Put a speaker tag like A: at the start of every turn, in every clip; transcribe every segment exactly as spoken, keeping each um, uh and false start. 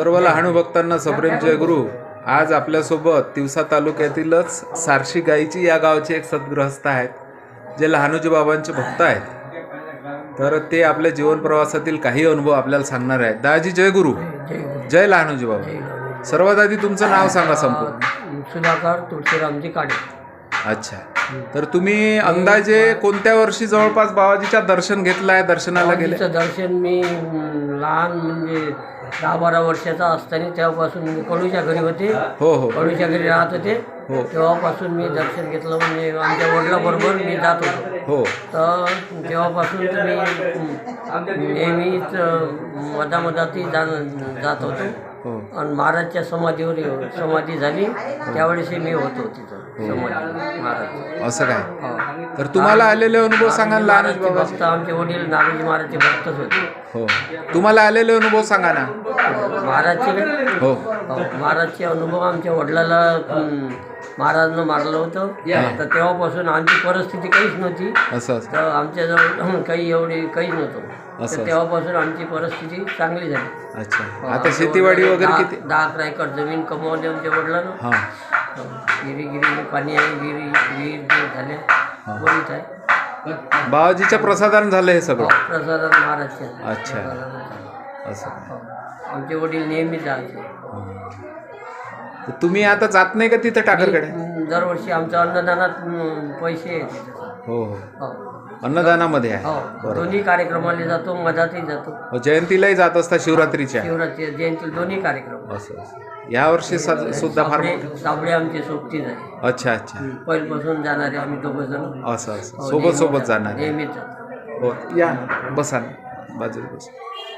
A: सर्व लहानू भक्तांना सप्रेम जय गुरु. आज आपल्यासोबत तिवसा तालुक्यातीलच सारशी गाईची या गावचे एक सद्गृहस्थ आहेत जे लहानूजी बाबांचे भक्त आहेत. तर ते आपल्या जीवन प्रवासातील काही अनुभव आपल्याला सांगणार आहेत. दाजी जय गुरु. जय लहानूजी बाबा. सर्वात आधी तुमचं नाव सांगा संपूर्ण.
B: सुधाकर तुळशीरामजी काडे.
A: अच्छा, तर तुम्ही अंदाजे कोणत्या वर्षी जवळपास बाबाजीच्या दर्शन घेतलाय, दर्शनाला गेले?
B: दर्शन मी लहान म्हणजे दहा बारा वर्षाचा असताना तेव्हापासून मी कडूच्या घरी होते.
A: हो हो
B: कडूच्या घरी राहत होते.
A: हो
B: तेव्हापासून मी दर्शन घेतलं. म्हणजे आमच्या वडिलाबरोबर मी जात होतो.
A: हो
B: तर तेव्हापासून मी नेहमीच मधामधाती जा जात होतो.
A: हो
B: आणि महाराजच्या समाधीवर समाधी झाली त्यावेळेस मी होतो तिथं समाधी महाराज.
A: असं काय? तर तुम्हाला आलेले अनुभव सांगा ना लहानूजी बाबा.
B: भक्त आमचे वडील नारोजी महाराजचे भक्तच होते.
A: हो, तुम्हाला आलेले अनुभव सांगा ना.
B: महाराजचे
A: हो
B: महाराजचे अनुभव आमच्या वडिलाला महाराजनं मारलं होतं. तर तेव्हापासून आमची परिस्थिती काहीच नव्हती.
A: असं असं
B: तर आमच्याजवळ काही एवढे काहीच नव्हतं.
A: असं.
B: तर तेव्हापासून आमची परिस्थिती चांगली झाली.
A: अच्छा, आता शेतीवाडी वगैरे
B: दहा-
A: किती?
B: दहा अकरा एकर जमीन कमवली आमच्या वडिलांना.
A: हां
B: गिरी गिरी पाणी आहे, गिरी विहीर ते झाले बरीच आहे.
A: बाबाजीच्या प्रसादान झालं हे सगळं.
B: प्रसाद महाराजच्या.
A: अच्छा, असं.
B: आमचे वडील नेहमी जायचे.
A: तर तुम्ही आता जात नाही का तिथं टाकरकडे?
B: दरवर्षी आमच्या अन्नदानात अं, पैसे येते.
A: हो हो,
B: हो
A: अन्नदानामध्ये आहे.
B: हो, दोन्ही कार्यक्रमाला जातो, मधातही जातो.
A: हो, जयंतीलाही जात असता शिवरात्रीच्या.
B: शिवरात्री जयंती दोन्ही कार्यक्रम.
A: असं असं. या वर्षी स- सुद्धा फार मोठं.
B: साबळे आमची सोबतीच आहे.
A: अच्छा अच्छा,
B: पहिल्यापासून जाणारे आम्ही दोघं जण.
A: असं असं सोबत सोबत जाणार.
B: नेहमीच जातो.
A: हो, या ना, बसा ना बाजूला बस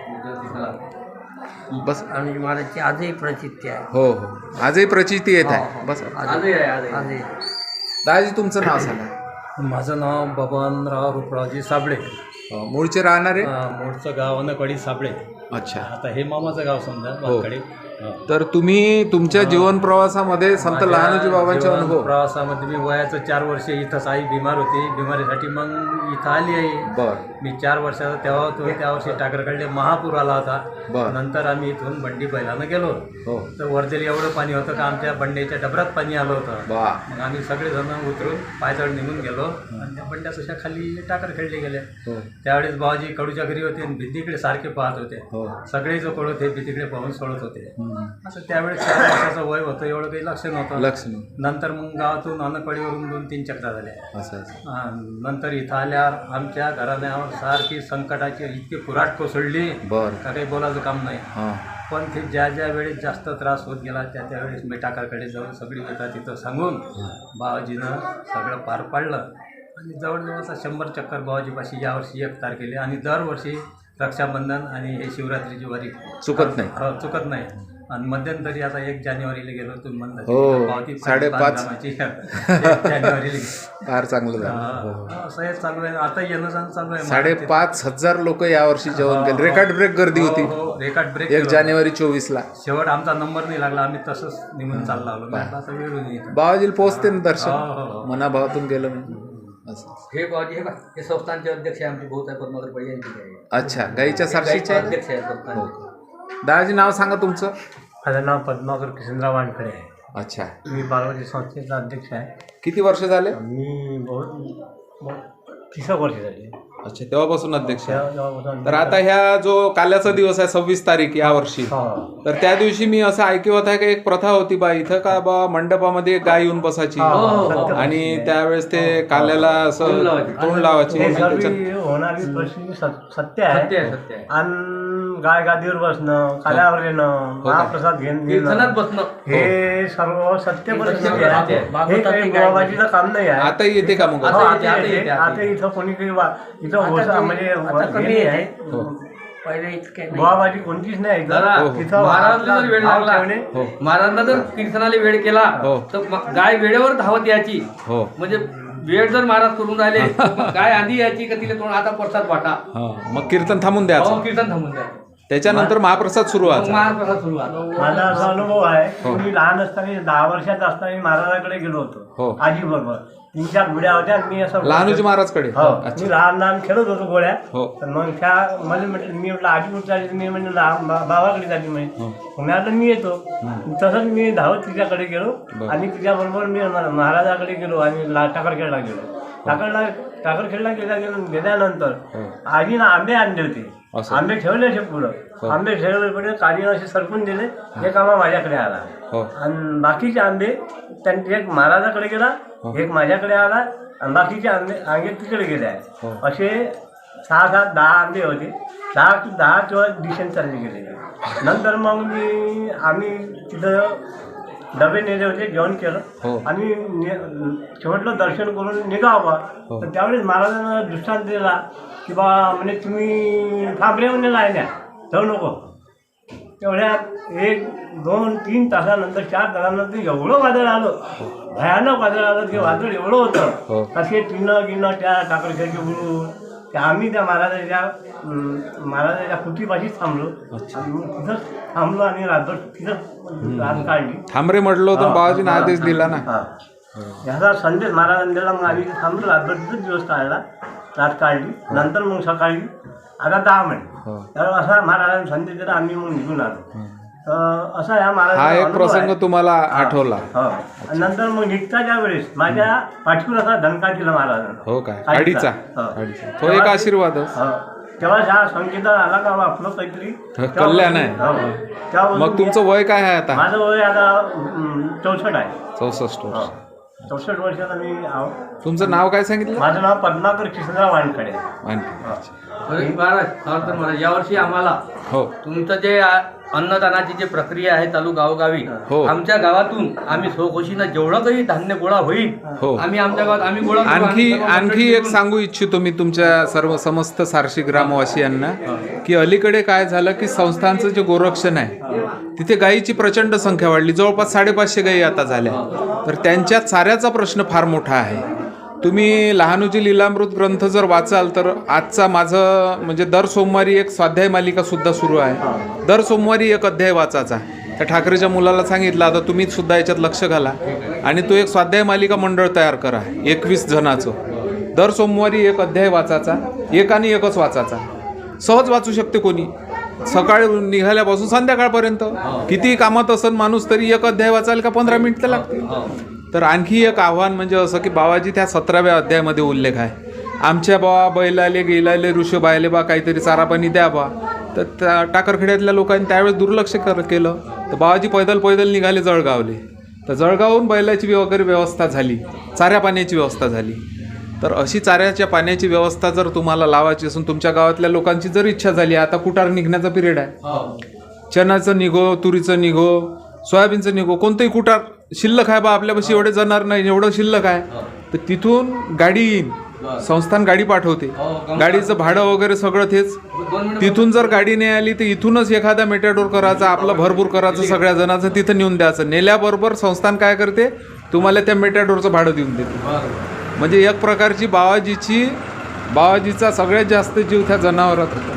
A: बस.
B: आणि महाराजची आजही प्रचिती आहे.
A: हो हो, आजही प्रचिती येत आहे. बस
B: आजही आहे आजही.
A: दादाजी तुमचं नाव सांगा.
C: माझं नाव बबनराव रुपरावजी साबळे.
A: अ, मूळचे राहणारे?
C: अं, मूळचं गाव अनकडी साबळे.
A: अच्छा,
C: आता हे मामाचं गाव समजा
A: हो.
C: वानकडे.
A: तर तुम्ही तुमच्या जीवन प्रवासामध्ये संत लहानूजी बाबांचे
C: जीवन
A: अनुभव.
C: प्रवासामध्ये मी वयाचं चार वर्ष इथंच आई बिमार होती. बिमारीसाठी मग इथं आली आहे.
A: बर
C: मी चार वर्षाचा तेव्हा होतो. त्या वर्षी टाकरकडले महापूर आला होता.
A: बर.
C: नंतर आम्ही इथून बंडी बैलानं गेलो.
A: हो
C: तर वर्धेला एवढं पाणी होतं का आमच्या बंड्याच्या डबरात पाणी आलं होतं.
A: बा.
C: मग आम्ही सगळेजण उतरून पायदळ निघून गेलो आणि त्या बंड्या तशा खाली टाकर खेळले गेले.
A: हो
C: त्यावेळेस बाबाजी कडूच्या घरी होते आणि भीतीकडे सारखे पाहत होते.
A: हो
C: सगळे जो कळत हे भीतीकडे पाहून सोडत होते.
A: हम्म.
C: असं त्यावेळेस चार वर्षाचं वय होतं, एवढं काही लक्ष नव्हतं.
A: लक्ष नाही.
C: नंतर मग गावातून अनकळीवरून दोन तीन चक्रा झाल्या.
A: असं असं.
C: अं, नंतर इथं आल्यावर आमच्या घराण्यावर सारखी संकटाची इतकी कुऱ्हाड कोसळली
A: बर.
C: का काही बोलायचं काम नाही.
A: हां
C: पण ते ज्या ज्या वेळेस जास्त त्रास होत गेला त्या त्यावेळेस मी टाकरकडे जाऊन सगळी व्यथा तिथं सांगून बाबाजीनं सगळं पार पाडलं. आणि जवळजवळ शंभर चक्कर बाबाजीपाशी यावर्षी एक तारखेला आणि दरवर्षी रक्षाबंधन आणि हे शिवरात्रीची वारी
A: चुकत नाही.
C: हो, चुकत नाही. आणि मध्यंतरी आता एक जानेवारीला गेलो तुम्ही म्हणता.
A: हो,
C: पावती
A: साडेपाच.
C: बांधकामाची एक जानेवारीला
A: फार चांगलं झालं. हो.
C: हा, असं हे चालू आहे. आता येणं जाणं चालू आहे.
A: साडेपाच हजार लोक यावर्षी जेवण केले. रेकॉर्ड ब्रेक गर्दी होती.
C: रेकॉर्ड ब्रेक
A: एक जानेवारी चोवीस ला.
C: शेवट आमचा नंबर नाही लागला. आम्ही तसंच निघून चालला आलो. म्हटलं आता वेळ होईल इथं.
A: बाबाजीला पोहोचते ना
C: हो,
A: दर्शन.
C: हो.
A: मनाभावातून गेलं म्हणजे असं.
D: हे बाबाजी हे बघ, हे संस्थानचे अध्यक्ष आहे आमचे भाऊ आहे पद्माकर पडे यांचे आहे.
A: अच्छा, गाईच्या साक्षीचे आहे?
D: अध्यक्ष आहे
A: हो
D: संस्थान.
A: दादाजी नाव सांगा तुमचं.
C: माझं नाव पद्माकर किशनराव वानखडे आहे.
A: अच्छा,
C: मी बालवाडी संस्थेचा अध्यक्ष आहे.
A: किती वर्ष झाले?
C: मी बहुत तीस वर्ष झाली.
A: अच्छा, तेव्हापासून अध्यक्ष आहे.
C: तेव्हापासून-
A: तर आता ह्या जो काल्याचा दिवस आहे सव्वीस तारीख या वर्षी,
C: हो.
A: तर त्या दिवशी मी असं ऐकवत आहे की एक प्रथा होती बा इथं का बा मंडपामध्ये एक गाय येऊन बसायची
C: हो.
A: आणि त्यावेळेस ते काल्याला असं तोंड लावायची.
C: हे सर्व
A: त्याच्यात-
C: होणारी परिस्थिती सत- सत्य
D: सत्य आहे
C: आहे.
D: सत्य आहे.
C: आणि गाय गादीवर बसणं, काल्यावर येणं,
A: का?
C: महाप्रसाद घेणं
D: कीर्तनात
C: घेणं,
D: बसणं
C: हे सर्व सत्य परिस्थिती आहे. हे
B: भागवतातही
C: काही
B: गाय
C: बाबाजीचं काम नाही आहे.
A: आता येते का मग?
C: हो,
D: आता
C: आता
D: येते, आता
C: येते.
D: येते,
C: आता इथं कोणी काही वा- इथं होसा- म्हणजे
B: आता
C: हे
B: कमी
C: नाही आहे.
B: येते. पहिले इतके नाही.
C: बाबाजी कोणतीच नाही
D: दादा,
A: हो, हो.
C: इथं
D: महाराजांना जर वेळ
C: भाव
D: लागला
C: ठेवणे.
A: हो
D: महाराजांना जर कीर्तनाला वेळ केला
A: हो.
D: तर मग गाय वेळेवर धावत यायची.
A: हो
D: म्हणजे वेळ जर महाराज करून राहिले तर मग गाय आधी यायची का तिला तोंड आता प्रसाद वाटा.
A: हा, मग कीर्तन थांबून द्यायचं.
D: हो, कीर्तन थांबून द्या.
A: त्याच्यानंतर महाप्रसाद सुरू व्हायचा.
D: महाप्रसाद सुरुवात
E: माझा असा अनुभव आहे
A: हो.
E: मी लहान असताना दहा वर्षाचा असताना मी महाराजाकडे गेलो
A: हो.
E: होतो आजी बरोबर. तीन चार गुड्या होत्या आणि मी असं
A: लहानूजी महाराजकडे.
E: हो
A: अच्छा.
E: मी लहान लहान खेळत होतो गोळ्या.
A: हो.
E: तर मग त्या मला म्हटलं मी म्हटलं आजी कुठे चालली मी म्हणजे बाबाकडे चालली म्हणजे
A: हो.
E: मी आता मी येतो. तसंच मी धावत तिच्याकडे गेलो
A: बरं.
E: आणि तिच्याबरोबर मी महाराजाकडे गेलो आणि ला टाकरखेडला गेलो. टाकरला टाकरखेडला गेल्या गेलो गेल्यानंतर
A: हो.
E: आजीनं आंबे आणले होते.
A: असं.
E: आंबे ठेवले असे पुढं आंबे ठेवले पुढे काळी असे सरकून दिले. एक आंबा माझ्याकडे आला
A: हो.
E: आणि बाकीचे आंबे त्यांनी एक महाराजाकडे गेला एक माझ्याकडे आला आणि बाकीचे आंबे आंबे तिकडे गेले
A: हो.
E: आहे. असे सहा सात दहा आंबे होते. दहा दहा किंवा दिशेने चालले गेले. नंतर मग मी आम्ही तिथं डबे नेले होते जेवण केलं
A: हो.
E: आणि ने- शेवटलं दर्शन करून निघावं.
A: हो.
E: तर त्यावेळेस महाराजांना दृष्टांत दिला की बा म्हणजे तुम्ही थांबले म्हणजे लायल्या जाऊ नको. तेवढ्यात एक दोन तीन तासानंतर चार तासानंतर एवढं वादळ आलं भयानक वादळ आलं ते वादळ एवढं
A: हो.
E: होतं कसे टिनं गिनं त्या टाकरखेडचे उडून त्या आम्ही त्या महाराजाच्या अं, महाराजाच्या कुटीपाशीच थांबलो आणि मग तिथंच थांबलो आणि रात्र तिथंच रात काढली.
A: थांबरे म्हटलं होतं बाबाजीने आदेश दिला ना.
E: हा. ह्याचा संदेश महाराजांनी दिला. मग आम्ही थांबलो रात्र तिथंच दिवस काढला रात काढली. नंतर मग सकाळी आता दहा मिनिट
A: हो.
E: तर असा महाराजांनी संदेश दिला आम्ही मग निघून आलो. तर असा ह्या
A: हा
E: महाराजांचा
A: एक
E: अनुभव
A: प्रसंग
E: आहे.
A: तुम्हाला आठवला.
E: हो आणि नंतर मग निघताच्या वेळेस माझ्या पाठीवर असा धनका दिला महाराजांना.
A: हो काय
E: आडीचा.
A: आडीचा
E: हो.
A: आडीचा तो एक आशीर्वादच.
E: हो. तेव्हा ह्या संकेत आला का बा आपलं काहीतरी
A: कल्याण आहे.
E: हो. तेव्हापासून
A: मग तुमचं वय काय आहे आता?
E: माझं वय आता अं, चौसष्ट आहे.
A: चौसष्ट वर्ष.
E: चौसष्ट वर्षाचा मी आहो.
A: तुमचं नाव काय सांगितलं?
E: माझं नाव पद्माकर कृष्णराव वानखडे.
A: आणखी.
D: अरे महाराज सावरकर महाराज यावर्षी आम्हाला
A: हो
D: तुमचं जे आ- अन्नदानाची जी प्रक्रिया आहे चालू गावोगावी
A: हो.
D: आमच्या गावातून आम्ही स्वखुशीनं जेवढं काही धान्य गोळा होईल
A: हो.
D: आम्ही आमच्या गावात आम्ही गोळा करू.
A: आणखी
D: आम्ही सर्व
A: आणखी
D: मंडळी
A: एक
D: मिळून-
A: सांगू इच्छितो मी तुमच्या सर्व समस्त सारशी ग्रामवासियांना की अलीकडे काय झालं की संस्थांचं जे गोरक्षण आहे तिथे गायीची प्रचंड संख्या वाढली. जवळपास साडेपाचशे गायी आता झाल्या. तर त्यांच्या चाऱ्याचा प्रश्न फार मोठा आहे. तुम्ही लहानूजी लीलामृत ग्रंथ जर वाचाल तर आजचा माझं म्हणजे दर सोमवारी एक स्वाध्याय मालिका सुद्धा सुरू आहे. दर सोमवारी एक अध्याय वाचायचा. त्या ठाकरेच्या मुलाला सांगितलं आता तुम्ही सुद्धा याच्यात लक्ष घाला आणि तो एक स्वाध्याय मालिका मंडळ तयार करा एकवीस जणांचं. दर सोमवारी एक अध्याय वाचायचा. एक आणि एकच वाचायचा. सहज वाचू शकते कोणी. सकाळी निघाल्यापासून संध्याकाळपर्यंत कितीही कामात असन माणूस तरी एक अध्याय वाचायला का पंधरा मिनिटं लागतील. तर आणखी एक आव्हान म्हणजे असं की बाबाजी त्या सतराव्या अध्यायामध्ये उल्लेख आहे आमच्या बा बैलाले गेलाले ऋषभायले बा काहीतरी चारा पाणी द्या बा. तर त्या टाकरखेड्यातल्या लोकांनी त्यावेळेस दुर्लक्ष कर केलं. तर बाबाजी पैदल पैदल निघाले जळगावले. तर जळगावहून बैलाची वगैरे व्यवस्था झाली. चाऱ्या पाण्याची व्यवस्था झाली. तर अशी चाऱ्याच्या पाण्याची व्यवस्था जर तुम्हाला लावायची असून तुमच्या गावातल्या लोकांची जर इच्छा झाली आता कुटार निघण्याचा पिरियड आहे. चणाचं निघो तुरीचं निघो सोयाबीनचं निघो कोणतंही कुटार शिल्लक आहे बा आपल्यापाशी एवढे जाणार नाही एवढं शिल्लक आहे. तर तिथून गाडी येईन. संस्थान गाडी पाठवते. गाडीचं भाडं वगैरे सगळं तेच. तिथून जर गाडी नाही आली तर इथूनच एखादा मेटाडोर करायचा आपलं भरपूर करायचं सगळ्या जणांचं तिथं नेऊन द्यायचं. नेल्याबरोबर संस्थान काय करते तुम्हाला त्या मेटाडोरचं भाडं देऊन देते. म्हणजे एक प्रकारची बाबाजीची बाबाजीचा सगळ्यात जास्त जीव त्या जनावरात होता.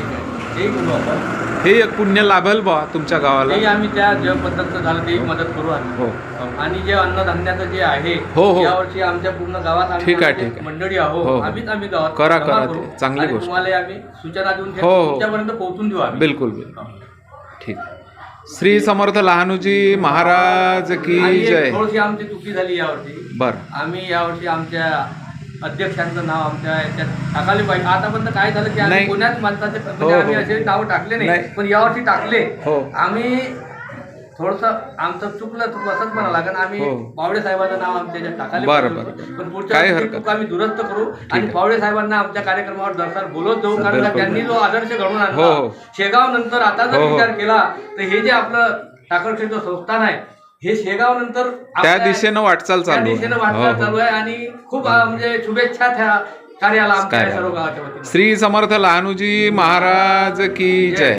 D: ठीक आहे आपण
A: हे एक पुण्य लाभेल बा तुमच्या गावाला.
D: तेही आम्ही त्या जे पद्धतीचं झालं तेही मदत करू आम्ही.
A: हो
D: आणि जे अन्नधान्याचं जे आहे
A: हो, हो.
D: यावर्षी आमच्या पूर्ण गावात आम्ही
A: ठीक आहे,
D: म्हणजे
A: ठीक आहे.
D: मंडळी
A: हो,
D: आहोत
A: हो.
D: आम्हीच आम्ही गावात
A: करा,
D: जमा
A: करा
D: करू.
A: ते. चांगली
D: आणि
A: गोष्ट.
D: तुम्हाला आम्ही सूचना देऊन
A: हो, हो.
D: तुमच्यापर्यंत पोहोचून देऊ आम्ही.
A: बिलकुल बिलकुल ठीक. श्री समर्थ लहानूजी महाराज की
D: आणि एक
A: जय.
D: थोडीशी आमची चुकी झाली यावर्षी.
A: बरं
D: आम्ही यावर्षी आमच्या अध्यक्षांचं नाव आमच्या याच्यात टाकायला पाहिजे. आतापर्यंत काय झालं की आम्ही
A: नाही.
D: कोण्याच माणसाचे
A: हो,
D: म्हणजे आम्ही
A: हो.
D: असे नाव टाकले नाही
A: नाही.
D: पण यावर्षी टाकले.
A: हो.
D: आम्ही थोडंसं आमचं चुकलं तर असंच म्हणा लागेल आम्ही
A: हो.
D: पावडे साहेबांचं नाव आमच्या याच्यात टाकायला
A: बरं,
D: पाहिजे
A: बरं.
D: होतं. पण पुढच्या
A: काही
D: वेळी
A: हरकत
D: चूक आम्ही दुरुस्त करू आणि
A: आहे.
D: पावडे साहेबांना आमच्या कार्यक्रमावर दरसाल बोलत जाऊ कारण
A: बिलकुल.
D: त्यांनी जो आदर्श घडवून
A: हो,
D: आणला
A: हो.
D: शेगाव नंतर आता जर
A: हो, हो.
D: विचार केला तर हे जे आपलं टाकरखेडचं संस्थान आहे हे शेगाव नंतर
A: त्या दिशेनं वाटचाल
D: त्या
A: चालू आहे.
D: दिशेनं
A: हो,
D: वाटचाल
A: हो.
D: चालू आहे आणि खूप अं, म्हणजे शुभेच्छा त्या कार्याला आमच्या
A: कार्याला.
D: सर्व गावाच्या वतीने.
A: श्री समर्थ लहानूजी महाराज की जय.